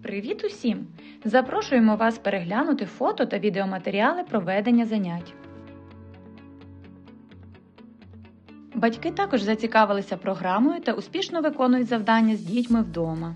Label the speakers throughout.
Speaker 1: Привіт усім! Запрошуємо вас переглянути фото та відеоматеріали проведення занять. Батьки також зацікавилися програмою та успішно виконують завдання з дітьми вдома.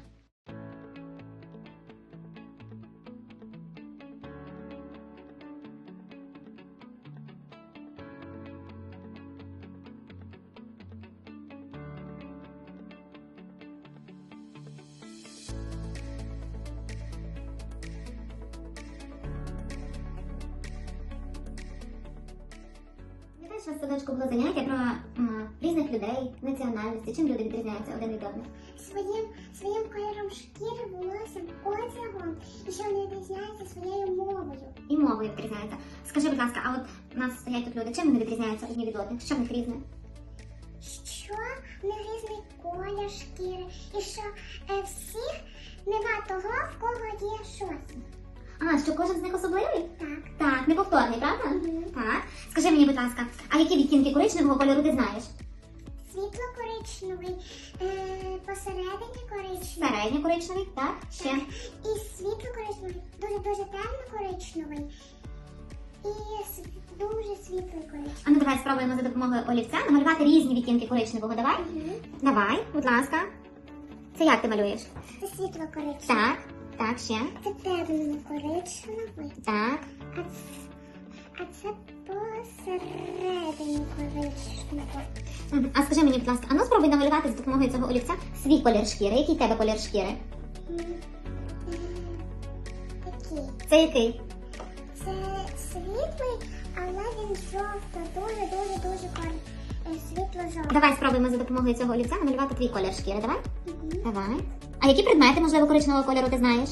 Speaker 2: У нас в садочку було заняття про різних людей, національності, чим люди відрізняються один від одних.
Speaker 3: Своїм кольором шкіри, волоссям, одягом, і що вони відрізняються своєю мовою.
Speaker 2: І мовою відрізняються. Скажи, будь ласка, а от у нас стоять тут люди, чим вони відрізняються одні від одних? Що в них різне?
Speaker 3: Що в них різний колір шкіри, і що всіх нема того, в кого є щось.
Speaker 2: А, що кожен з них особливий?
Speaker 3: Так.
Speaker 2: Так, неповторний, правда?
Speaker 3: Мгм.
Speaker 2: Так. Скажи мені, будь ласка, а які відтінки коричневого кольору ти знаєш?
Speaker 3: Світло-коричневий, посередині коричневий.
Speaker 2: Середньо коричневий, так? Ще?
Speaker 3: І світло-коричневий, дуже-дуже темно-коричневий. І дуже світлий коричневий.
Speaker 2: А ну давай спробуємо за допомогою олівця намалювати різні відтінки коричневого. Давай?
Speaker 3: Мгм.
Speaker 2: Давай, будь ласка. Це як ти малюєш?
Speaker 3: Це світло-коричневий.
Speaker 2: Так, так, ще.
Speaker 3: Це темно-коричневий.
Speaker 2: Так.
Speaker 3: А це посередині коричневого.
Speaker 2: А скажи мені, будь ласка, а ну спробуй намалювати за допомогою цього олівця свій колір шкіри. Який в тебе колір шкіри?
Speaker 3: Такий.
Speaker 2: Це який?
Speaker 3: Це світлий, але він дуже-дуже-дуже світло-жовтий.
Speaker 2: Давай спробуємо за допомогою цього олівця намалювати твій колір шкіри. Давай?
Speaker 3: Мгм.
Speaker 2: Давай. А які предмети, можливо, коричневого кольору ти знаєш?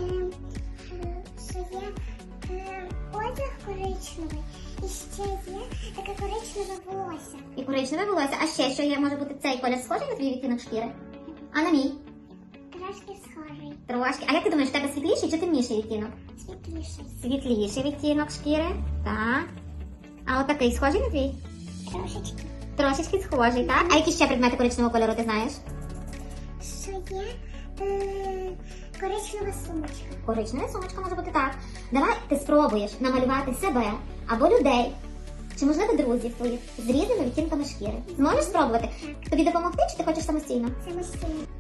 Speaker 3: Що є одяг коричневий, і ще є таке коричневе волосся.
Speaker 2: І коричневе волосся. А ще що є? Може бути цей колір схожий на твій відтінок шкіри? А на мій?
Speaker 3: Трошки схожий,
Speaker 2: Трошки. А як ти думаєш, в тебе світліший чи темніший відтінок?
Speaker 3: світліший.
Speaker 2: Світліший відтінок шкіри. Так. А отакий схожий на твій?
Speaker 3: Трошечки.
Speaker 2: Трошечки схожий, так? А які ще предмети коричневого кольору ти знаєш?
Speaker 3: Що є коричнева сумочка.
Speaker 2: Коричнева сумочка може бути так. Давай ти спробуєш намалювати себе або людей, чи, можливо, друзів твоїх з різними відтінками шкіри. Зможеш спробувати? Тобі допомогти, чи ти хочеш самостійно?
Speaker 3: Самостійно.